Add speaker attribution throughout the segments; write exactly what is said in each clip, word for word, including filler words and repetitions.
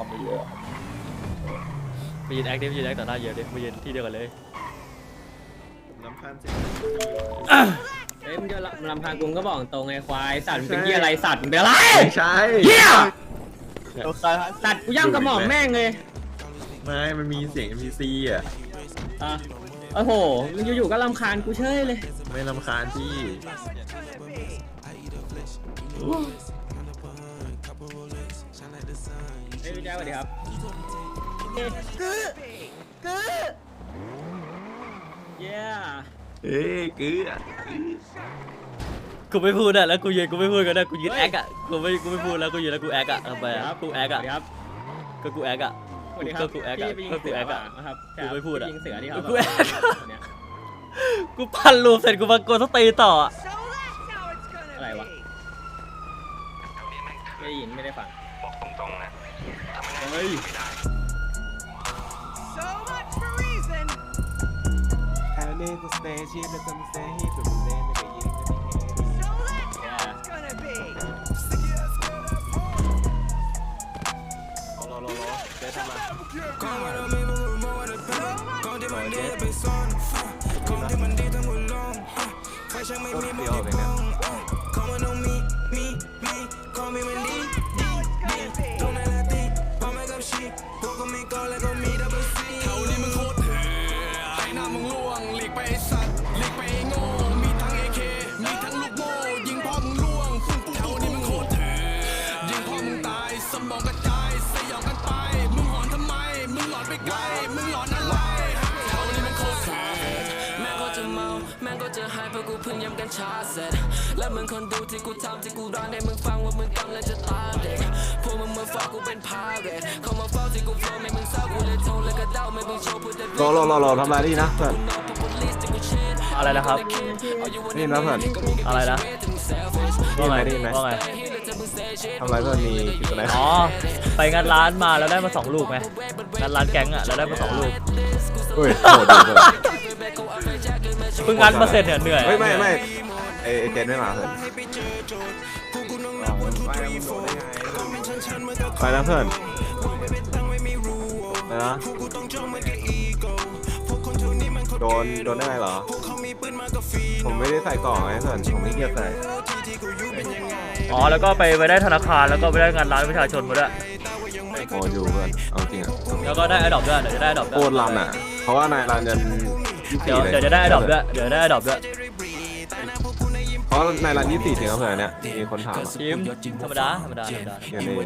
Speaker 1: ไปเยอะไปยืนแอคดิไปยืนแอคต่อหน้าเยอะดิไปยืนที่เดียวกันเลย
Speaker 2: ลำพันสิ
Speaker 3: เฮ้ยมึงจะลำพังกูก็บอกตรงไอ้ควายสัตว์มึงเป็นเหี้ยอะไรสัตว์มึงเป็นอะไร
Speaker 2: ไม่ใช่
Speaker 3: เหี้ยสัตว์กูย่ำกระหม่อมแม่งเลย
Speaker 2: ไม่มันมีเสียง เอ็ม พี ซี อ่ะ
Speaker 3: อ่ะโอ้โหมึงอยู่ๆก็รำคาญกูเฉยเลย
Speaker 2: ไม่รำคาญที่
Speaker 3: เฮ้ยพี่แจ๊คสวัสดีครับกือกือเย้
Speaker 2: เอ้ยกือ
Speaker 1: กูไม่พูดอ่ะแล้วกูยืนกูไม่พูดกันนะกูยืนแอคอ่ะกูไม่กูไม่พูดแล้วกูยืนแล้วกูแอคอ่ะทำไมอ่ะกูแอคอ่ะก็กูแอคอ่ะก็กูแอคอ่ะก็กูแอคอ่ะกูไม่พูดอ่ะกูแอคกูพันรูปเสร็จกูมาโกนสตีต่อ
Speaker 3: อะไรวะไม่ได้ยินไม่ได้ฟัง
Speaker 4: บอกตรงๆนะ
Speaker 3: เฮ้ย
Speaker 5: แล้วมึงคนดูที่กูทำที่กูร้องให้มึงฟังว่ามึงกำลังจะตาเด็กพวกมึงมาฟังกูเป็นพาเรดเข้ามาเฝ้าที่กูโฟล์ไม่มึงเศร้ากูเลยโทรแล้วก็เดาไม่มึงโชว์พูดแต่
Speaker 2: รอรอรอรอทำอะไรนี่นะเพื่อน
Speaker 1: อะไรนะครับ
Speaker 2: นี่นะเพื่อน
Speaker 1: อะไรนะว่าไงว่าไง
Speaker 2: ทำอะไรเพื่อนมีกิจอะไร
Speaker 1: อ๋อไปงานร้านมาแล้วได้มาสองลูกไหมงานร้านแก๊งอ่ะแล้วได้มาสองลูก
Speaker 2: เฮ้ยโหดดีเลย
Speaker 1: เพิ่งงานมาเสร็จเนี่ยเหนื่อย
Speaker 2: ไม่ไม่ไม่ไอเจนไม่มาเพื่อนไปนะเพื่อนไปนะโดนโดนได้ไงเหรอผมไม่ได้ใส่กล่องไงเพื่อนผมไม่เกียจใส่
Speaker 1: อ๋อแล้วก็ไปไปได้ธนาคารแล้วก็ไปได้งานร้านประชาชนมาด้วย
Speaker 2: โอ้อยู่เพื่อนเอาจริงอ่ะ
Speaker 1: แล้วก็ได้ไอ้ดอกด้วยเดี๋ยวจะได้ดอก
Speaker 2: โคตรรันอ่ะเพราะว่านายรันยัน
Speaker 1: เดี๋ยวเดี๋ยวจะได้ไอ้ดอกด้วยเดี๋ยวได้ไอ้ดอกด้วย
Speaker 2: เพราะนายรันยี่สิบสี่ถึงแล้วเพื่อนเนี่ยมีคนถาม
Speaker 1: ทีมธรรมดาธรรมดาธรรมดา
Speaker 2: อย่างนี้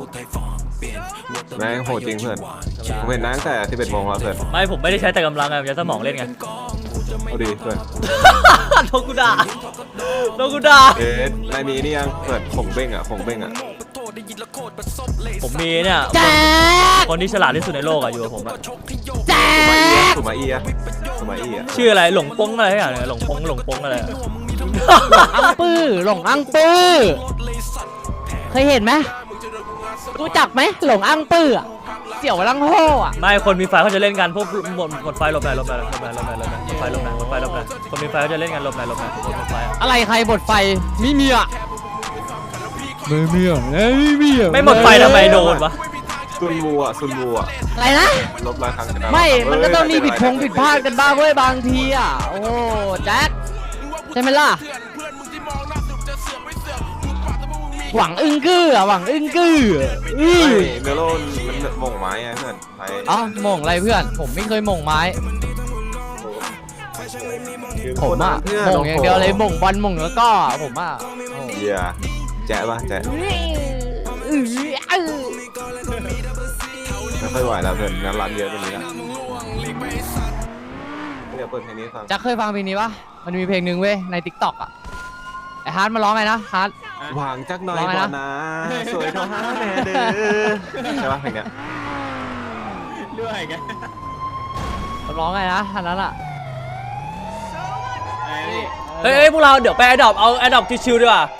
Speaker 2: แม่งโหดจริงเพื่อนผมเห็นนั่งแต่สิบเอ็ดโมงแล้วเพื่อน
Speaker 1: ไม่ผมไม่ได้ใช้แต่กำลังไงผมใช้สมองเล่นไง
Speaker 2: เอาดีเพื่อน
Speaker 1: โดนกูด่าโดนกูด่า
Speaker 2: เอ๊ะนายมีนี่ยังเปิดผงเบ้งอ่ะผงเบ้งอ่ะ
Speaker 1: ผมมีเนี่ยคนที่ฉลาดที่สุดในโลกอ่ะอยู่กับผมอ่ะ
Speaker 2: สุมาอีอ่ะสุมาอีอ่ะ
Speaker 1: ชื่ออะไรหลงปงอะไรอย่างเงี้ยหลงปงหลงปงอะไร
Speaker 6: อังปื้อหลงอังปื้อเคยเห็นไหมรู้จักไหมหลงอังปื้อเสี่ยวลังโฮอ่ะ
Speaker 1: ไม่คนมีไฟเขาจะเล่นกันพวกหมดหมดไฟลบไหนลบไหนลบไหนลบไหนลบไหนหมดไฟลบไหนหมดไฟลบไหนคนมีไฟเขาจะเล่นกันลบไหนลบไหนหมดไฟ
Speaker 6: อะไรใครหมดไฟไม่มีอ่ะไม่มีอ่ะไม่มีอ่ะ
Speaker 1: ไม่หมดไฟทำไมโดนวะ
Speaker 2: ซุนวูอ่ะซุนวูอ่ะ
Speaker 6: อะไรนะ
Speaker 2: ลบหลายครั้ง
Speaker 6: ไม่มันก็ต้องมีผิดพงผิดพลาดกันบ้างเว้ยบางทีอ่ะโอ้แจ็คใช่ไหมล่ะหวังอึ้งกืออ่ะหวังอึ้งกือ
Speaker 2: อือเมโลนมันมงไม้ไงเพื่อนไป
Speaker 6: อ๋อมงอะไรเพื่อนผมไม่เคยมงไม้ผมอ่ะมงอย่างเดียวเลยมงบอลมงแล้วก็ผมอ่ะ
Speaker 2: เฮียแจ๊ะป่ะแจ๊ะไม่ค่อยไหวแล้วเพื่อนงานร้านเยอะตรงนี้ละเดี๋ยวเปิดเพลงนี้ฟัง
Speaker 6: จะเคยฟังเพลงนี้ปะมันมีเพลงหนึ่งเว้ยในติ๊กต็อกอ่ะไอฮาร์ดมาร้องไงนะฮาร์ด
Speaker 2: หวังจักหน่อยก่อนนะสวยเท่าฮาร์ดแม่เด้อใช่ปะเพลงเนี้ย
Speaker 3: ด้วยไง
Speaker 6: ร้องไงนะอันนั้นอ่ะ
Speaker 1: เฮ้ยพวกเราเดี๋ยวไปแอดดอปเอาแอดดอปชิวๆดีกว่า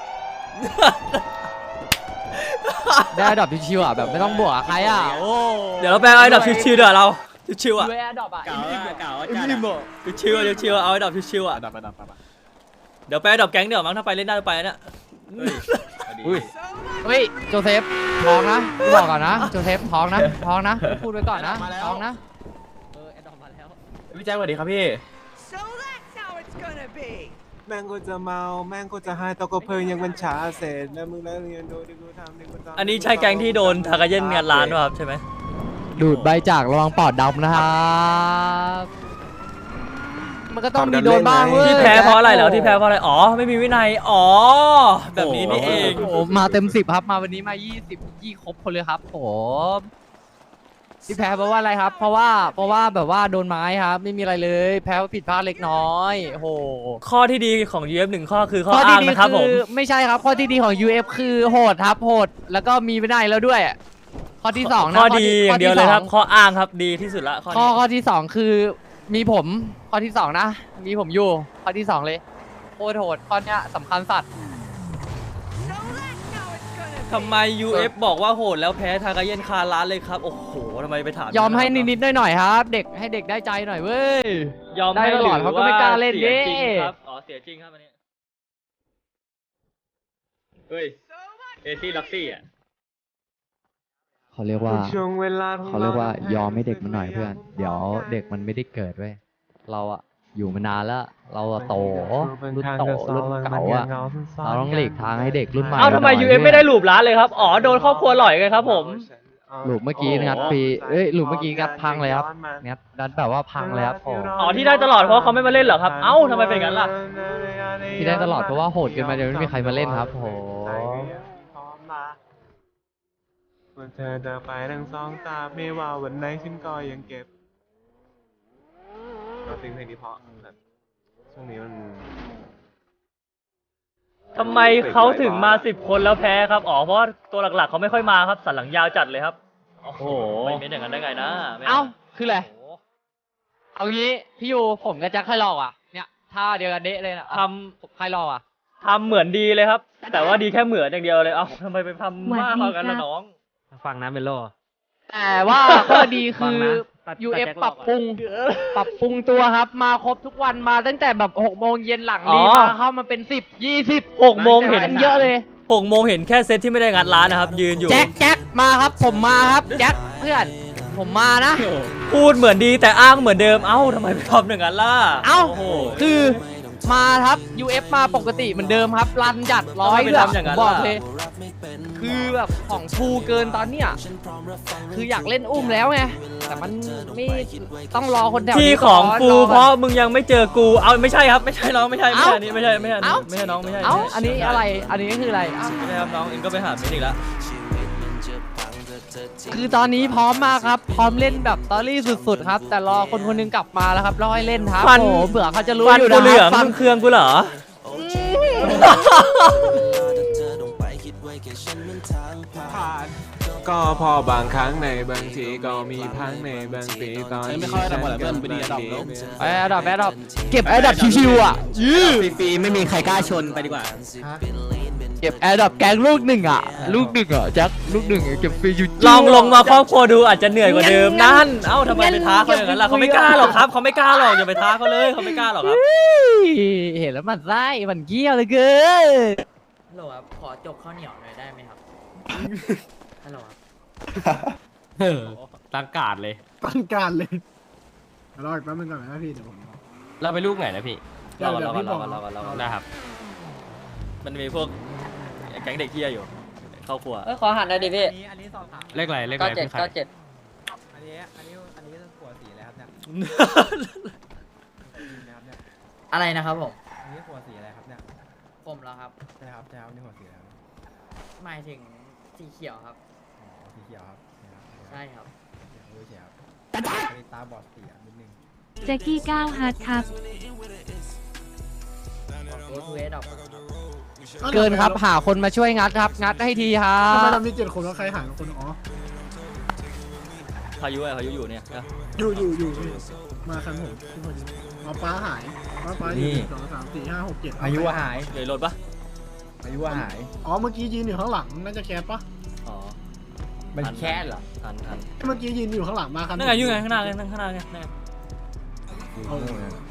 Speaker 6: ได้แอดดอปชิวๆอ่ะแบบไม่ต้องบวกใครอ่ะโอ้
Speaker 1: เดี๋ยวเราไปเอาแอดดอปชิวๆดีกว่าเราชิวๆอ่ะ
Speaker 6: แอดดอปอ่ะ
Speaker 3: เก่าเก่า
Speaker 6: จั
Speaker 1: ดชิวๆชิวๆเอาแอดดอปชิวๆอ่ะเดี๋ยวไปแอดดอปแก๊งเดี๋ยวมั้งถ้าไปเล่นได้ไปเนี่ย
Speaker 3: อุ้ย
Speaker 6: เฮ้ยโจเซฟท้องนะกูบอกก่อนนะโจเซฟท้องนะท้องนะพูดไว้ก่อนนะท้องนะเออแอดดอมมาแล้ว
Speaker 3: พี่แจ็คสวัสดีครับพี่
Speaker 4: So that's how it's gonna be.
Speaker 2: แม่งก็จะเมาแม่งก็จะให้ตะกเพลิงยังมันช้าเสร็จแล้วมึงแล้วเรียนดูดิกูทำดิกูทำ
Speaker 1: อันนี้ใช่แก๊งที่โดนทากาเย็นงานร้านป่ะครับใช่ไหม
Speaker 6: ดูดใบจากระวังปอดดำนะครับมันก็ต้องมีโดนบ้างเว้ย
Speaker 1: ที่แพ้เพราะอะไรเหรอที่แพ้เพราะอะไรอ๋อไม่มีวินัยอ๋อแบบนี้นี่เอง
Speaker 6: โอ้โหมาเต็มสิบครับมาวันนี้มายี่สิบยี่ครบคนเลยครับผมที่แพ้เพราะว่าอะไรครับ เพราะว่าเพราะว่าแบบว่าโดนไม้ครับไม่มีอะไรเลยแพ้ว่าผิดพลาดเล็กน้อยโอ้โห
Speaker 1: ข้อที่ดีของ ยู เอฟ หนึ่งข้อคือข้อ
Speaker 6: ข้อที่
Speaker 1: อ้าง
Speaker 6: ดี
Speaker 1: นะครับผ
Speaker 6: คื
Speaker 1: ม
Speaker 6: อไม่ใช่ครับข้อที่ดีของ ยู เอฟ คือโหดครับโหดแล้วก็มีวินัยแล้วด้วย ข้อที่สองนะ
Speaker 1: ข้อดีอย่างเดียวเลยครับ
Speaker 6: ข้
Speaker 1: ข้ออ้างครับดีที่สุดละข้อ
Speaker 6: อข้อ
Speaker 1: นี้
Speaker 6: ข้อที่สองคือมีผมข้อที่สองนะ มีผมอยู่ข้อที่สองเลยโคตรโหดข้อเนี้ยสำคัญสัตว์
Speaker 4: So that's how it's gonna be.
Speaker 1: ทำไม ยู เอฟ บอกว่าโหดแล้วแพ้ทากาเย็นคาร้านเลยครับโอ้โหทำไมไปถาม
Speaker 6: ยอมให้นิดๆหน่อยๆครับ เด็กให้เด็กได้ใจหน่อยเว้ย
Speaker 1: ยอม
Speaker 6: ได้
Speaker 1: ให้
Speaker 6: ตลอดเขาก็ไม่กล้าเล่น
Speaker 1: หรือว่า
Speaker 6: ดิ
Speaker 1: เสียจริงครับอ๋อเสียจริงครับอันนี้
Speaker 3: เฮ้ย เอซี่ล็อกซี่อ่ะ
Speaker 6: เขาเรียกว่า
Speaker 2: ช่วงเวลา
Speaker 6: เขาเรียกว่ายอมให้เด็กมันหน่อยเพื่อน เดี๋ยวเด็กมันไม่ได้เกิดเว้ย เราอะอยู่มานานแล้ว เราอะโตรุ่นโตรุ่นเก่าอะเราต้องหลีกทางให้เด็กรุ่นใหม่
Speaker 1: เอ้าทำไม ยู เอฟ ไม่ได้หลูบร้านเลยครับอ๋อโดนครอบครัวหล่อยไงครับผม
Speaker 6: หลุมเมื่อกี้งัดปีเอ้ยหลุมเมื่อกี้งัดพังเลยครับงัดงัดแบบว่าพังเลยครับผม
Speaker 1: อ๋อที่ได้ตลอดเพราะเขาไม่มาเล่นเหรอครับเอ้าทำไมเป็นงั้นล่ะ
Speaker 6: ที่ได้ตลอดเพราะว่าโหดเกินมาเดี๋ยวไม่มีใครมาเล่นครับโห
Speaker 2: เมื่อเธอเดินไปทั้งสองตาไม่ว่าวันไหนฉันก็ยังเก็บเราซิงเพลงนี้เพราะแบบช่วงนี้มัน
Speaker 1: ทำไมเขาถึงมาสิบคนแล้วแพ้ครับอ๋อเพราะว่าตัวหลักๆเขาไม่ค่อยมาครับสันหลังยาวจัดเลยครับโอ้โหไม่เป็นอย่างนั้นได้ไงนะไม่
Speaker 6: เอ้าคืออะไรเอางี้พี่ยูผมกับแจ็คใครหลอกอ่ะเนี่ยท่าเดียวกันเดะเลยนะ
Speaker 1: ท
Speaker 6: ใครหลอกอ่ะ
Speaker 1: ำทำเหมือนดีเลยครับ แต่ว่าดีแค่เหมือนอย่างเดียวเลยเอ้าทำไมไปทำมากกว่ากันล่ะน้อง
Speaker 3: ฟังนะเมโล
Speaker 6: แต่ว่าข้อดีคื
Speaker 3: ฟัง
Speaker 6: อ
Speaker 3: นะตัด
Speaker 6: ยู เอฟ
Speaker 3: ตัดแจ็ค
Speaker 6: ปรับปรุงปรับปรุงตัวครับ มาครบทุกวันมาตั้งแต่แบบหกโมงเย็นหลังนี้มาเข้ามาเป็นสิบยี่สิบ
Speaker 1: หกโมงเห็น
Speaker 6: เยอะเลย
Speaker 1: หกโมงเห็นแค่เซตที่ไม่ได้งัดร้านนะครับ ยืนอยู่
Speaker 6: แจ็คแจ็คมาครับผมมาครับแจ็คเพื่อนผมมานะ
Speaker 1: พูดเหมือนดีแต่อ้างเหมือนเดิมเอ้าทำไมไปทำอย่างนั้นล่ะ
Speaker 6: เอ้า
Speaker 1: โอ้โห
Speaker 6: คือมาครับ ยู เอฟ มาปกติเหมือนเดิมครับรันจัดร้อย
Speaker 1: ทำไมไป
Speaker 6: เดือ
Speaker 1: ทำอย่างนั้น
Speaker 6: บอก
Speaker 1: ล่ะ
Speaker 6: เลยคือแบบของฟูเกินตอนเนี้ยคืออยากเล่นอุ้มแล้วไงแต่มันไม่ต้องรอคนแถว
Speaker 1: ที่
Speaker 6: นี้
Speaker 1: ข
Speaker 6: ก่
Speaker 1: อน งฟู
Speaker 6: อ
Speaker 1: เพราะมึงยังไม่เจอกูเอาไม่ใช่ครับไม่ใช่น้องไม่ใช่ไม่ใช่
Speaker 6: เอ้า
Speaker 1: อันนี้ไม่ใช่ไม่ใช่อันนี้
Speaker 6: เอ้า
Speaker 1: ไม่ใช่น้องไม่ใช่
Speaker 6: เอ้าอันนี้อะไร อันนี้คืออะไรอ้าว
Speaker 1: ไม่ใช่ครับน้องเองก็ไปหาเมนอีกแล้ว
Speaker 6: คือตอนนี้พร้อมมากครับ พร้อมเล่นแบบตอรี่สุดๆครับ แต่รอคนคนหนึงกลับมาแล้วครับรอให้เล่นครับ
Speaker 1: ฟัน
Speaker 6: โอ้โหเผื่อเขาจะรู้
Speaker 1: ฟัน
Speaker 6: อยู่
Speaker 1: กู
Speaker 6: นะ
Speaker 1: เหลือง
Speaker 6: ฟั
Speaker 1: มึงเครืองกูเหรอ
Speaker 2: ผ่านก็พอบางครั้งในบางทีก็มีพังในบางปีตอนไม่ค่อยระเบิดเบิ้ลไปดีระดับ
Speaker 6: ไอ้อันดับแอดดับเก็บแอดดับชิวๆอ่ะยื้อ
Speaker 3: ฟรีๆไม่มีใครกล้าชนไปดีกว่า
Speaker 6: เก็บแอดดับแกงลูกหนึ่งอ่ะ ลูกหนึ่งอ่ะแจ็คลูกหนึ่งอะเก็บฟรีอยู่
Speaker 1: ลองลงมาครอบครัวดูอาจจะเหนื่อยกว่าเดิมนั่นเอ้าทำไมไปท้าเขาอย่างนั้นล่ะเขาไม่กล้าหรอกครับเขาไม่กล้าหรอกอย่าไปท้าเขาเลยเขาไม่กล้าหรอกครับ
Speaker 6: เห็นแล้วมันไส้มันเกี้ยวเลยเกิน
Speaker 7: ฮัลโหลครับ ขอจกข้าวเหนียวหน่อยได้ไหมครับ ฮัลโหลครับ
Speaker 3: เออตั้งการเลย
Speaker 8: ตั้งการเลยรออีกแป๊บนึงก่อนนะพี่เดี๋ยวผม
Speaker 3: เราไปลูกไหนนะพี่
Speaker 8: เดี๋ยว
Speaker 1: เรา
Speaker 8: เดี๋ยว
Speaker 1: เรา
Speaker 8: พี่บ
Speaker 1: เรา
Speaker 8: อก
Speaker 1: เราเราเรา
Speaker 3: ได้ครับ
Speaker 1: มันมีพวกแก๊งเด็กเที่ยอยู่เข้าครัว
Speaker 7: เอ้ย ขอหันหน่อยดิพี่
Speaker 8: อันนี้สอบถาม
Speaker 3: เลขอะไรเลขอะ
Speaker 7: เก้า
Speaker 3: ไร
Speaker 7: เจ็ด
Speaker 3: พี่ใคร
Speaker 7: เก้าเจ็ด
Speaker 8: อันนี้อันนี้อันนี้หัวสีอะไรครับเนี่ยนะครับเนี่ย
Speaker 7: อะไรนะครับผม
Speaker 8: อันนี้หัวสีอะไรครับเนี่ย
Speaker 7: ผมแล้วครับ
Speaker 8: ใช่ครับใช่ครับนี่หัวสีอะไรครับ
Speaker 7: หมายถึงสีเขียวครับ
Speaker 8: อ๋อสีเขียวครับ
Speaker 7: ใช่ครับ
Speaker 8: เขียวรู้เขียวอันนี้ตาบอดสีอ่ะนิดนึง
Speaker 9: แจ็กกี้ก้าวฮาร์ดครับ
Speaker 7: เอทูเอดอก
Speaker 6: เกินครับหาคนมาช่วยงัดครับ งัดให้ทีครั
Speaker 8: ทำไม
Speaker 6: บ
Speaker 8: เรามีเจ็ดคนแล้วใครหายคนอ๋อ
Speaker 1: พายุอะพายุอยู่เนี่ยนะ
Speaker 8: อยู่อยู่อยู่พี่มาคันผมที่พอดีเอาป้าหายป้าป้าอยู่หนึ่งสองสามสี่ห้าหกเจ็ด
Speaker 10: อายุหาย
Speaker 1: เลยรถปะ
Speaker 10: อายุหาย
Speaker 8: อ๋อเมื่อกี้ยืนอยู่ข้างหลังน่าจะแคสปะ
Speaker 1: อ๋อ
Speaker 10: มันแค่เหรอ
Speaker 1: ทันทัน
Speaker 8: เมื่อกี้ยืนอยู่ข้างหลังมาคัน
Speaker 1: นั่นไงอยู่ไงข้างหน้าไงนั่งข้างหน้าไงนั่นไง
Speaker 8: เอา